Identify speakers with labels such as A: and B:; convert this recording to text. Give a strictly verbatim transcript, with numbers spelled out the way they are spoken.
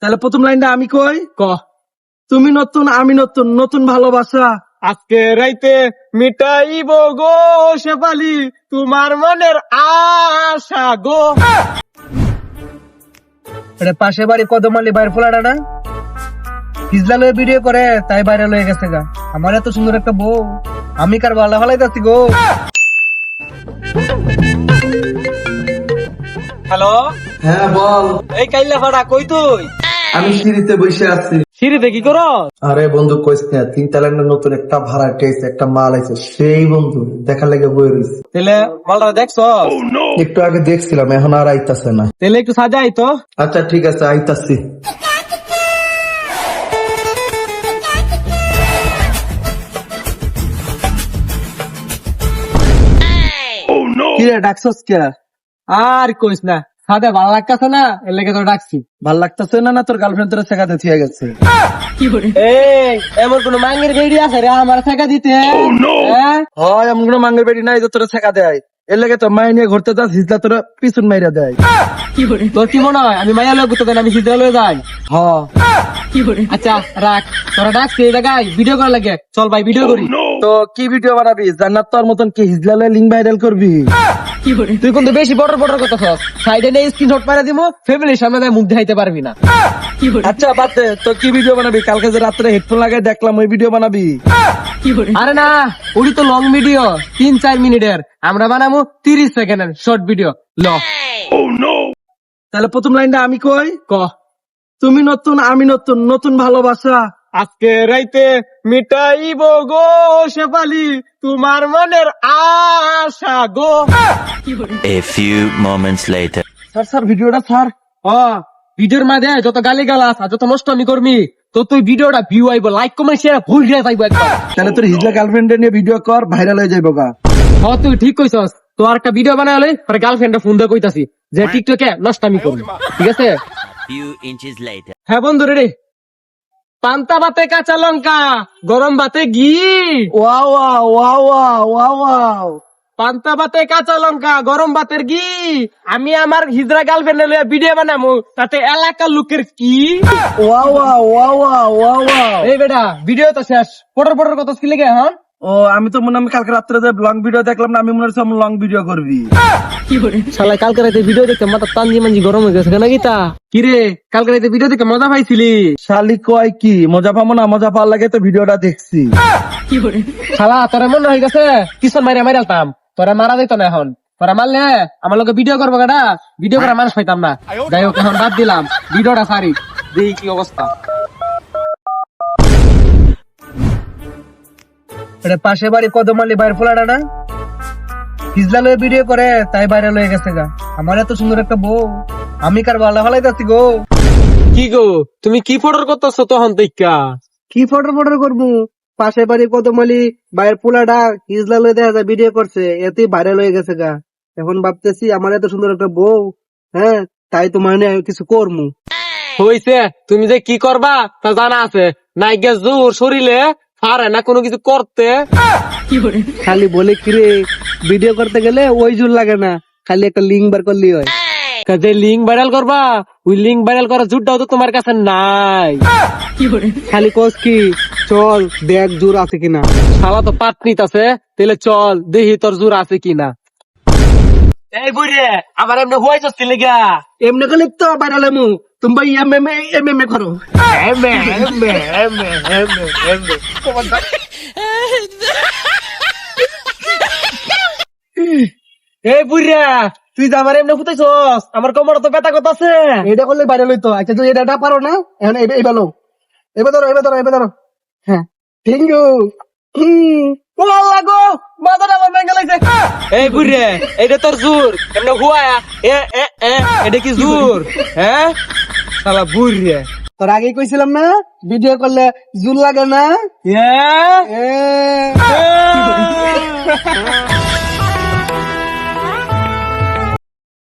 A: তাহলে প্রথম লাইনটা আমি কই ক তুমি নতুন আমি নতুন নতুন ভালোবাসা
B: আজকে রাইতে মিটাইব গো শেফালি তোমার মনের আশা গো।
A: এটা পাশে বাড়ি কদমালি বাইর ফোলাটা না হিজলা লয়ে ভিডিও করে তাই বাইরে লয়ে গেছে গা। আমার এত সুন্দর একটা বউ আমি কার ভালো ভালাই যাচ্ছি গো।
B: হ্যালো,
C: হ্যাঁ বল।
B: এই কাইলা ফাড়া কই তুই?
C: আমি সিঁড়িতে বসে আছি।
B: সিঁড়িতে কি করো?
C: আরে বন্ধু কইস না, তিন তালান্ডের নতুন একটা ভাড়া টেস্ট একটা মাল আছে, সেই বন্ধু দেখার লাগে বই রয়েছে।
B: তেলে মালটা দেখছো?
C: একটু আগে দেখছিলাম, এখন আর আইতাছে না।
B: তেলে একটু সাজাই তো।
C: আচ্ছা ঠিক আছে, আইতাছি।
A: কি রে ডাকছস কে?
B: আর কইস না, সাদা ভালো লাগতেছে না, এর লেগে তো ডাকছি।
A: ভাল লাগতেছে না? না তোর গার্লফ্রেন্ড তোর শেখাতে থিয়ে গেছে?
B: এই এমন কোন মাঙ্গের বেড়ি আছে রে আমার টাকা দিতে? হ্যাঁ?
A: হয় এমন কোনো মাঙ্গের বেটি নাই যে তোরা শেখা দেয়। এর লেগে তো মাই নিয়ে ঘুরতে যাস, হিজলা তোরা পিছন মাইরা দেয়।
B: তোর কি মনে হয় আমি মাইয়া লোক ঘুরতে আমি সিদ্ধা লয়ে যাই?
A: হ
B: আচ্ছা রাখ, তোরা ডাকছি এই জায়গায় ভিডিও করা লাগে, চল ভাই ভিডিও করি।
A: তো কি ভিডিও বানাবি? জান্নাত তোর মতন কি হিজলা লয়ে লিঙ্ক ভাইরাল করবি?
B: তুই কিন্তু বেশি বড় বড় কথা সব সাইডে নিয়ে স্ক্রিনশট মারা দিমু, ফ্যামিলির সামনে যায় মুখ দেখাইতে পারবি না।
A: আচ্ছা বাদ দে, তো কি ভিডিও বানাবি? কালকে যে রাত্রে হেডফোন লাগাই দেখলাম, ওই ভিডিও বানাবি?
B: আরে না, ওটি তো লং ভিডিও, তিন চার মিনিটের। আমরা বানাবো তিরিশ সেকেন্ডের শর্ট ভিডিও। ল
A: তাহলে প্রথম লাইনটা আমি কই
B: ক
A: তুমি নতুন আমি নতুন নতুন ভালোবাসা
B: আজকে রাইতে মিটাইব গো শেফালি তোমার মনের আশা গো।
D: A few moments later.
A: Sir sir ভিডিওটা স্যার।
B: ও ভিডিওর মাঝে যত গালি গালাস আর যত নষ্ট আমি করবি তো তুই ভিডিওটা ভিউ আইব, লাইক কমেন্ট শেয়ার ভুল দিয়ে যাইব একবার।
A: তাহলে তোর হিজলা গার্লফ্রেন্ড নিয়ে ভিডিও কর, ভাইরাল হয়ে যাইব গা।
B: হ তুই ঠিক কইছস, তো আর একটা ভিডিও বানালে পরে গার্লফ্রেন্ডে ফোন দিয়ে কইতাছি যে টিকটকে নষ্ট আমি করবি, ঠিক আছে?
D: Few inches later.
B: হ্যাঁ বন্ধু রে, পান্তা ভাতে কাঁচা লঙ্কা, গরম ভাতে ঘি।
A: Wow wow wow wow wow wow.
B: পান্তা ভাতে কাঁচা লঙ্কা, গরম ভাতের ঘি। আমি আমার হিজরা গার্লফ্রেন্ড লইয়া ভিডিও বানাবো, তাতে এলাকার লোকের কি?
A: Wow wow wow wow wow wow.
B: এই বেটা ভিডিও তো শেষ, পটর পটর কত কি লেগে হ্যাঁ?
A: ও আমি তো মনে হয় আমি কালকে রাত্রে যে লং ভিডিও দেখলাম না, আমি মনে হচ্ছে লং ভিডিও করবি।
B: শালা কালকে রাতে ভিডিও দেখতে মাথা টানজি মানজি গরম হয়ে গেছে কেন গীতা? কিরে কালকে রাতে ভিডিও দেখে মজা পাইছিলি?
A: শালি কয় কি মজা পাবো না? মজা পাওয়ার লাগে তো ভিডিওটা দেখছি।
B: শালা তোরা মনে হয়ে গেছে কিশোর মাইরা মাইরালতাম, তোরা মারা যেত না এখন। তোরা মারলে আমার লোকে ভিডিও করবো গাটা, ভিডিও করার মানুষ পাইতাম না। যাই হোক এখন বাদ দিলাম, ভিডিওটা সারি দেখি কি অবস্থা।
A: এটা পাশে বাড়ি কদমালি বাইর ফোলাটা না হিজলা লয়ে ভিডিও করে তাই বাইরে লয়ে গেছে গা। আমার এত সুন্দর একটা বউ আমি কার ভালো ভালাই যাচ্ছি গো।
B: কি গো তুমি কি ফটোর করতেছো তখন দেখা?
A: কি ফটো ফটো করবো? পাশে বাড়ি কদমালি বাইরের পোলাটা হিজলা লয়ে দেখা যায় ভিডিও করছে, এতেই ভাইরাল হয়ে গেছে গা। এখন ভাবতেছি আমার এত সুন্দর একটা বউ, হ্যাঁ তাই তোমার নিয়ে কিছু করবো।
B: হইছে, তুমি যে কি করবা তা জানা আছে। নাইগা জোর শরীরে পারে না কোনো কিছু করতে।
A: খালি বলে কিরে ভিডিও করতে গেলে ওই জোর লাগে না, খালি একটা লিঙ্ক বার করলি হয়।
B: যে লিঙ্ক ভাইরাল করবা ওই লিঙ্ক ভাইরাল করার জুটটাও তো তোমার কাছে নাই।
A: খালি কোস কি চল দেখ জোর আছে কিনা।
B: শালা তো পাটনিত আছে, তাহলে চল দেখি তোর জোর আছে কিনা। এই বুড়ে আমার এমনি হয়ে যাচ্ছে লেগা।
A: এমনি করলে তো ভাইরাল এমু তুমি ভাই এম এম এম এম করো।
B: এই বুড়া তুই যে আমার এমনি ফুটাইছস, আমার কোমর তো ব্যথা কথা আছে।
A: এটা করলে ভাইরাল হইতো। আচ্ছা তুই এটা পারো না, এখন এবার লো এবার ধরো এবার ধরো এবার ধরো। হ্যাঁ থ্যাংক ইউ।
B: লাগো মাথাটা আমার ভেঙে লাগছে। এই বুড়ে এটা তোর জোর এমনি হুয়ায়া এ এ এ এটা কি জোর? হ্যাঁ শালা বুড়ে,
A: তোর আগেই কইছিলাম না ভিডিও করলে জুল লাগে না।
B: হ্যাঁ
A: এ
B: এ